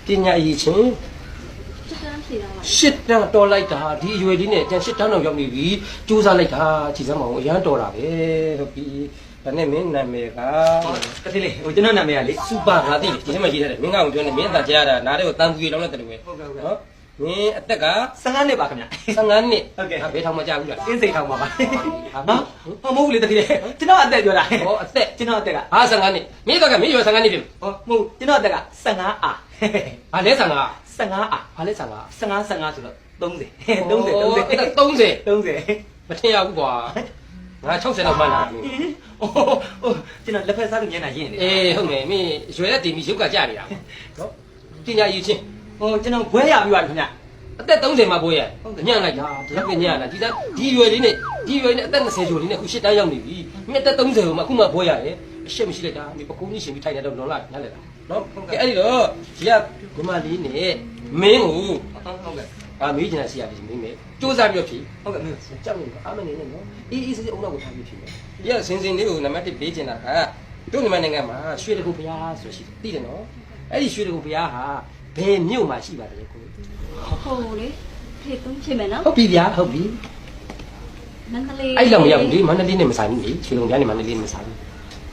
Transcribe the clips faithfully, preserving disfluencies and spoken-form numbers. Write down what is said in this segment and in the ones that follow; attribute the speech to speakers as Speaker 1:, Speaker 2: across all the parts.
Speaker 1: ပညာရည်ချင်းရှစ်တန်းတော်လိုက်တာဒီအရွယ်လေးနဲ့ကျန်ရှစ်တန်းတော့ရောက်နေပြီစူးစမ်းလိုက်တာကြည်စမ်းမအောင်အရန်တော်တာပဲဟုတ်ပြီဒါနဲ့မင်းနာမည်က
Speaker 2: တတိလေးဟိုကျွန်တော်နာမည်ကလေ
Speaker 1: စူပါငါသိတယ်ဒီထဲမှာရေးထားတယ်မင်းကောင်ပြောနေမင်းအသာကြားရတာနားထဲကိုတန်ပူရီလောင်းလိုက်တယ်လို့ပဲ
Speaker 2: ဟုတ်ကဲ့ဟုတ်ကဲ့
Speaker 1: နော်မင်းအသက်က
Speaker 2: ဆယ်ငါးနှစ်ပါခင်ဗျ
Speaker 1: ဆယ်ငါးနှစ်
Speaker 2: ဟုတ်ကဲ့
Speaker 1: ဘယ်ထောင်မှကြာဘူးလား
Speaker 2: အင်းစိန်ထောင်ပါပါနော်ဟောမဟုတ်ဘူးလေတတိလေးကျွန်တော်အသက်ပြောတာ
Speaker 1: ဟောအသက်
Speaker 2: ကျွန်တော်အသက်က
Speaker 1: ဟာဆယ်ငါးနှစ်မင်းအသက်ကမင်းရွယ်ဆယ်ငါးနှစ်ပြီ
Speaker 2: ဟောမဟုတ်ကျွန်တော်အသက်ကဆယ်ငါးအာ
Speaker 1: ဘာလဲဆယ်ငါး
Speaker 2: ဆယ်ငါးအာ
Speaker 1: ဘာလဲဆယ်ငါး
Speaker 2: ဆယ်ငါးဆယ်ငါးဆိုတော့သုံးဆယ်သုံးဆယ်သုံးဆယ်
Speaker 1: အဲ့ဒါသုံးဆယ်
Speaker 2: သုံးဆယ်
Speaker 1: မထင်ရဘူးကွာငါ၆၀လောက်မှန်းလာပြီ
Speaker 2: အိုးကျွန်တော်လက်ဖက်စားလို့မျက်နှာရင့်နေ
Speaker 1: အေးဟုတ်မယ်မင်းရွယ်တဲ့တင်ပြီးရုပ်ကကြနေတာနော်ပညာရည်ချင်း
Speaker 2: ဟိုကျွန်တော်ဘွဲရပြီးပါခင်ဗျ
Speaker 1: အသက်သုံးဆယ်မှာဘိုးရဲ့ညံ့လိုက်တာဒီလောက်ကညံ့လာဒီသားဒီရွယ်လေးနဲ့ဒီရွယ်နဲ့အသက်၂၀ကျော်လေးနဲ့အခုရှစ်တန်းရောက်နေပြီမင်းအသက်သုံးဆယ်ကိုမှအခုမှဘိုးရတယ်အရှက်မရှိလိုက်တာမင်းပကုံးကြီးရှင်ပြီးထိုင်နေတော့လွန်လာနားလေတာနော်ကဲအဲ့ဒီတော့ဒီကညီမလေးနဲ့မင်းကို
Speaker 2: ဟုတ်ကဲ့
Speaker 1: အာမေးချင်တာရှိရပြီမင်းမေစူးစမ်းပြီးတော့ဖြေ
Speaker 2: ဟုတ်ကဲ့မင်း
Speaker 1: ကြောက်နေအားမနေနဲ့နော်အေးအေးဆေးဆေးအုံနောက်ကိုထားပြီးဖြေမယ်ဒီကစင်စင်လေးကိုနံပါတ်တစ်ပေးချင်တာကတို့မြန်မာနိုင်ငံမှာရွှေတကူဘုရားဆိုရှိတယ်သိတယ်နော်အဲ့ဒီရွှေတကူဘုရားဟာဘယ်မြို့မှာရှိပါတယ်ကို
Speaker 3: ဟုတ်လေဖြည့်သုံးဖြစ်မယ်နော်
Speaker 1: ဟုတ်ပြီဗျာဟုတ်ပြီ
Speaker 3: မန္တလေး
Speaker 1: အဲ့လောက်မရောက်ဘူးဒီမန္တလေးနဲ့မဆိုင်ဘူးလေရွှေတကူဘုရားနဲ့မန္တလေးနဲ့မဆိုင်ဘူး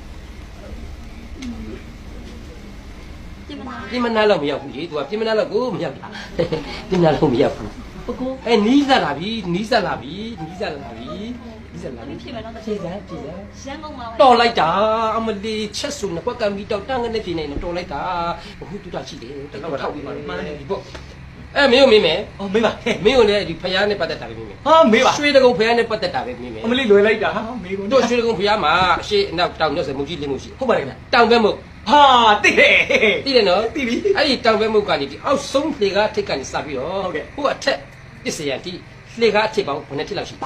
Speaker 1: ပြင်မနာလောက်မရောက်ဘူးလေ तू ကပြင်မနာလောက်ကိုမရောက်တာပြင်မနာလောက်မရောက်ဘူး
Speaker 3: ပကူ
Speaker 1: အဲနီးစပ်လာပြီနီးစပ်လာပြီနီးစပ်လာပြီနီးစပ်လာပြီ
Speaker 3: ဖြစ်မယ်နော်
Speaker 1: ဖြည့်စမ်းဖြည့်စမ်း
Speaker 3: ရန်ကုန်မှာ
Speaker 1: တော်လိုက်တာအမလီချက်စုံနဲ့ကွက်ကံပြီးတော့တန်းကနေပြင်းနေတော့တော်လိုက်တာဘုသူတရှိတယ်တလောက်ထောက်ပြီးပါမှန်းတယ်ဒီပေါ့အဲမင်းကိုမင်းမယ်
Speaker 2: အော်မေးပါ
Speaker 1: မင်းကိုလည်းဒီဖယားနဲ့ပတ်သက်တာပဲမင်းမယ်
Speaker 2: ဟာမေးပါ
Speaker 1: ရွှေတကုံဖယားနဲ့ပတ်သက်တာပဲမင်းမယ်
Speaker 2: အမလီလွယ်လိုက်တာဟာမေးကုန်
Speaker 1: တို့ရွှေတကုံဖယားမှာအရှိအနောက်တောင်ရွှေစမုတ်ကြီးလင်းမှုရှိ
Speaker 2: ဟုတ်ပါတယ်ဗျ
Speaker 1: တောင်ဘက်မုတ်
Speaker 2: ဟာသိတယ်
Speaker 1: သိတယ်နော်
Speaker 2: သိပြီ
Speaker 1: အဲ့ဒီတောင်ဘက်မုတ်ကနေဒီအောက်ဆုံးလေကားထိတ်ကနေစပြီးတော့
Speaker 2: ဟုတ်ကဲ့
Speaker 1: ဟိုအထက်ပစ္စယံတိလေကားအထက်ပေါင်းဘယ်နှစ်ထစ်လောက်ရှိ
Speaker 2: ဟို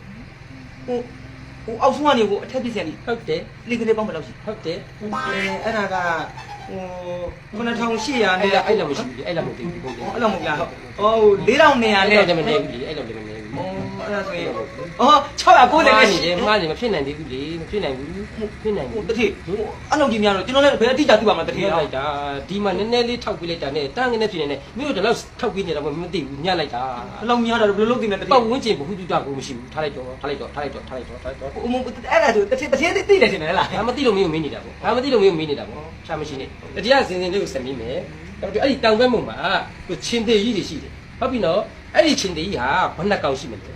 Speaker 2: ဟိုအောက်ဆုံးကနေဟိုအထက်ပစ္စယံတိ
Speaker 1: ဟုတ်တယ်
Speaker 2: လေကလေးပေါင်းဘယ်လောက်ရှိ
Speaker 1: ဟုတ်တယ်
Speaker 2: အဲအဲ့ဒါကဟိုခုနှစ်ထောင်ရှစ်ရာ
Speaker 1: နဲ့အဲ့လောက်မရှိဘူးအဲ့လောက်မသိဘူးဟုတ်တယ်
Speaker 2: အဲ့လောက်မဟုတ်လားဟိုလေးထောင်နှစ်ရာနဲ့
Speaker 1: အဲ့လောက်လည်းမနေဘူးလေအဲ့လောက်လည်းမနေဘူး
Speaker 2: အော်အဲ့ဒါဆိုရင်အော်ခြောက်ရာကိုးဆယ်နဲ့ရှိ
Speaker 1: တယ်မှားနေမဖြစ်နိုင်သေးဘူးလေမဖြစ်နိုင်ဘူးဖြစ်နိုင်ဘူး
Speaker 2: တတိအဲ့လောက်ကြီးများတော့ကျွန်တော်လည်းဘယ်အတိအကျသိပါမလဲတတိ
Speaker 1: ရလိုက်တာဒီမှာနည်းနည်းလေးထောက်ပြလိုက်တာနဲ့တန်းငနေဖြစ်နေတယ်မြို့တို့တော့ထောက်ပြနေတာမသိဘူးညှက်လိုက်တာ
Speaker 2: ဘယ်လောက်များတာဘယ်လိုလုပ်သိမလဲတတိ
Speaker 1: ပတ်ဝန်းကျင်ဘဟုတုတကိုမရှိဘူးထားလိုက်တော့ထားလိုက်တော့ထားလိုက်တော့ထားလိုက်တော့ထားလိုက်တော့
Speaker 2: ဟိုအဲ့ဒါဆိုတတိတတိသိတယ်ရှင်လေလား
Speaker 1: ဒါမသိလို့မင်းကိုမင်းနေတာပေါ့ဒါမသိလို့မင်းကိုမင်းနေတာပေါ့ရှာမရှိနေတတိယစင်စင်လေးကိုဆက်မိမယ်အဲ့ဒီတောင်ဘက်မှာသူချင်းသေးကြီးတွေရှိတယ်ဟုတ်ပြီနော်အဲ့ဒီချင်းသေးကြီးဟာဘယ်နှကောင်ရှိမလဲ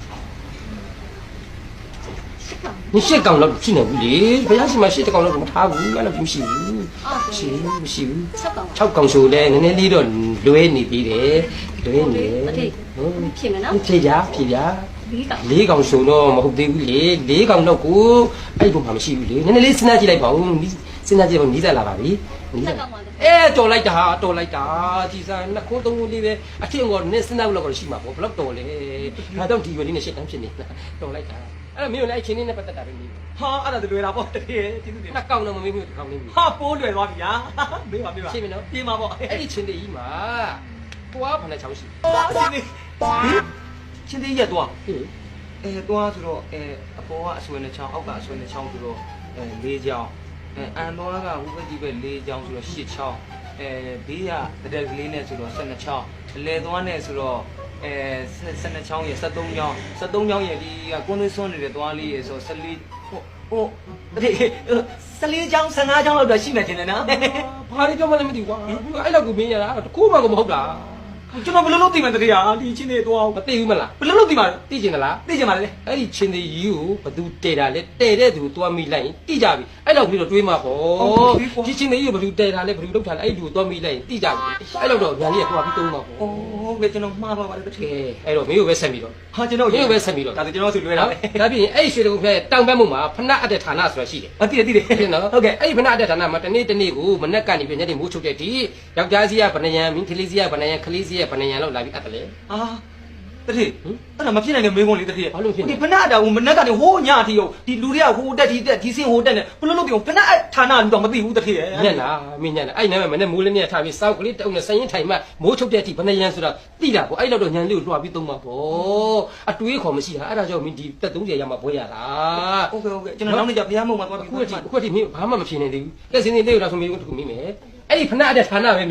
Speaker 1: 你是讲了去年不离，不要什么是讲了不差不，俺那不是，是不是？超讲数嘞，人家离了六年底嘞，六年。
Speaker 3: 嗯，骗人呐？
Speaker 1: 骗呀骗呀！
Speaker 3: 离讲。
Speaker 1: 离讲数咯，冇好对不离，离讲那个，哎，不怕么事不离，人家你现在进来跑，你现在进来你在哪里？你在。哎，多来家，多来家，其实那广东里边，啊，听我那现在那个是嘛，我不老多嘞，那当地方里那些东西呢，多来家。အဲ့မင်းလည်းအချင်းလေးနဲ့ပတ်သက်တာပဲမင်း
Speaker 2: ဟာအဲ့ဒါဆိုလွယ်တာပေါ့တကယ်ကျေးဇူးတင်
Speaker 1: နှစ်ကောင်တော့မမင်းမျိုးတစ်ကောင်လေးမင်း
Speaker 2: ဟာပိုးလွယ်သွားပြီညာမေးပါမေးပါ
Speaker 1: ရှင်းမနော်
Speaker 2: ပြေးပါပေါ့
Speaker 1: အဲ့ဒီချင်းတေးကြီးမှာတွားဖန်တဲ့ချောင်းရှိ
Speaker 2: ချင်းတေးဟင်ချင်းတေးရက်တွား
Speaker 1: ဟင်
Speaker 2: အဲတွားဆိုတော့အဲအပေါ်ကအဆွေနဲ့ချောင်းအောက်ကအဆွေနဲ့ချောင်းဆိုတော့အဲလေးချောင်းအဲအန်တွားကဟိုဘက်ဒီဘက်လေးချောင်းဆိုတော့ရှစ်ချောင်းအဲဘေးကတရက်ကလေးနဲ့ဆိုတော့ဆယ်နှစ်ချောင်းအလဲသွားနဲ့ဆိုတော့အဲဆယ်နှစ်ချောင်းရယ်ဆယ်သုံးချောင်းဆယ်သုံးချောင်းရယ်ဒီကကွန်းသွေးစွန်းနေတဲ့သွားလေးရယ်ဆိုဆယ်လေးဟိုဟိုဒီဆယ်လေးချောင်းဆယ်ငါးချောင်းလောက်တော့ရှိမှတင်တယ်နော်
Speaker 1: ဘာတွေကြောက်မှလည်းမသိဘူးကွာအဲ့လောက်ကိုမင်းရတာတကူမှကိုမဟုတ်တာ
Speaker 2: ကျွန်တော်ဘယ်လိုလုပ်သိမှန်းတည်းဟာဒီချင်းတွေတော့
Speaker 1: မသိဘူးမလား
Speaker 2: ဘယ်လိုလုပ်သိမှန်း
Speaker 1: သိကျင်သလား
Speaker 2: သိကျင်ပါလေ
Speaker 1: အဲ့ဒီချင်းတွေကြီးကိုဘသူတဲတာလဲတဲတဲ့သူသွားမိလိုက်ရင်တိကြပြီအဲ့လောက်ပြီးတော့တွေးမှာပေါ့ဒီချင်းတွေကြီးကိုဘသူတဲတာလဲဘသူလုပ်တာလဲအဲ့ဒီလူကိုသွားမိလိုက်ရင်တိကြပြီအဲ့လောက်တော့ညာလေးကသွားပြီးတုံးမှာပေါ့
Speaker 2: ဟုတ်ကဲ့ကျွန်တော်မှားပါပါတယ်တကယ်
Speaker 1: အဲ့တော့မင်းကိုပဲဆက်ပြီးတော့
Speaker 2: ဟာကျွန်တော်
Speaker 1: မင်းကိုပဲဆက်ပြီးတော့
Speaker 2: ဒါဆိုကျွန်တော်ဆိုလွယ်တာပဲ
Speaker 1: ဒါပြင်အဲ့ရွှေတကုံဖဲတောင်ဘက်မှုမှာဖဏအပ်တဲ့ဌာနဆိုတာရှိတယ်
Speaker 2: အတိတယ်တိတယ်
Speaker 1: ဟုတ်နော်
Speaker 2: ဟုတ်ကဲ့
Speaker 1: အဲ့ဒီဖဏအပ်တဲ့ဌာနမှာတနေ့တနေ့ကိုမနေ့ကနေပြညနေမိုးချုပ်တဲ့ဒီယောက်ျားစီးကဗနယံမင်းကလေးစီးကဗနယံကလေးစီးကဗနယံလောက်လာပြီးအပ်တယ်လေ
Speaker 2: အာတတိအဲ့ဒါမဖြစ်နိုင်တဲ့မေးခွန်းလေးတတိ
Speaker 1: ဘာလို့ဖြစ်
Speaker 2: ဒီဖဏတာဟိုမနေ့ကနေဟိုးညအထိဟုတ်ဒီလူတွေကဟိုတက်ဒီတက်ဒီစင်ဟိုတက်နေဘယ်လိုလုပ်ပြီးဖဏဌာနလူတော့မသိဘူးတတိရဲ့
Speaker 1: ညက်လားမင်းညက်လားအဲ့နားမှာမနေ့မိုးလေးနဲ့ထားပြီးစောက်ကလေးတုံးနဲ့ဆိုင်ရင်ထိုင်မှမိုးချုပ်တဲ့အထိဗနယံဆိုတာတိတာပေါ့အဲ့လောက်တော့ညံလေးကိုလွှာပြီးသုံးမှာပေါ့အတွေးခေါ်မရှိတာအဲ့ဒါကြောင့်မင်းဒီတက်သုံးဆယ်ရမှာဘွဲရတာ
Speaker 2: ဟုတ်ကဲ့ဟုတ်ကဲ့ကျွန်တော်နောက်နေ့ကျဘုရားမုံမှာသွားပြီး
Speaker 1: ခုအထိခုအထိမင်းဘာမှမဖြစ်နေသေးဘူးလက်စင်းလေးလေးကိုတော့ဆိုမင်းတို့တခုမင်းမယ်အဲ့ဒီဖဏအပ်တဲ့ဌာနပဲမင်းမယ်
Speaker 2: ဟ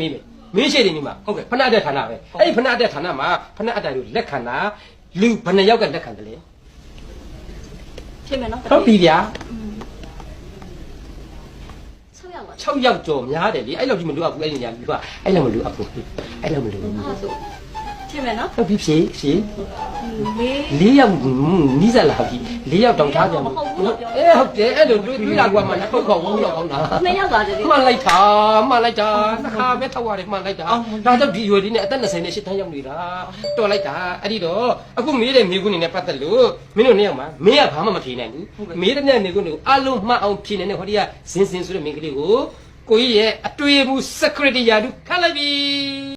Speaker 1: မင်းရှိတယ်ဒီမှာဖဏအတဲ့ဌာနပဲအဲ့ဒီဖဏအတဲ့ဌာနမှာဖဏအတိုင်ကိုလက်ခံတာလူဘယ်နှယောက်ကလက်ခံတယ်လဲ
Speaker 3: ဖြစ်မယ်နော်
Speaker 1: ဟုတ်ပြီဗျာ
Speaker 3: 6ရောက်ပါ
Speaker 1: 6ယောက်ကြော်များတယ်လေအဲ့လောက်ကြီးမလို့အဘူးအဲ့ဒီညာပြီးတော့အဲ့လောက်မလို့အဘူးအဲ့လောက်မလို့
Speaker 3: ဟာဆိုဖြစ်မယ်နော်
Speaker 1: ဟုတ်ပြီဖြေဖြေ
Speaker 3: လေး
Speaker 1: ၄ယောက်နီးစက်လာပြီ၄ယောက်တောင်ထားပြန်ဘူးအေးဟုတ်တယ်အဲ့လိုတွေးတွေးလာကွာမှလည်းပုတ်ခေါ်ဘူးတော့ကောင်းတာ
Speaker 3: နှစ်ယောက်ပါတည်း
Speaker 1: မှန်လိုက်တာမှန်လိုက်တာတစ်ခါပဲထောက်ရတယ်မှန်လိုက်တာဒါကြောင့်ဒီရွယ်လေးနဲ့အသက်၂၀နဲ့၈တန်းရောက်နေတာတော်လိုက်တာအဲ့ဒီတော့အခုမေးတဲ့မေးခွန်းနေနဲ့ပတ်သက်လို့မင်းတို့နှစ်ယောက်မှာမင်းကဘာမှမဖြေနိုင်ဘူးမေးတဲ့မြတ်မေးခွန်းတွေကိုအလုံးမှတ်အောင်ဖြေနိုင်တဲ့ဟောဒီကဇင်းစင်ဆိုတဲ့မိန်းကလေးကိုကိုကြီးရဲ့အတွေ့အမှု secretary ရာထူးခန့်လိုက်ပြီ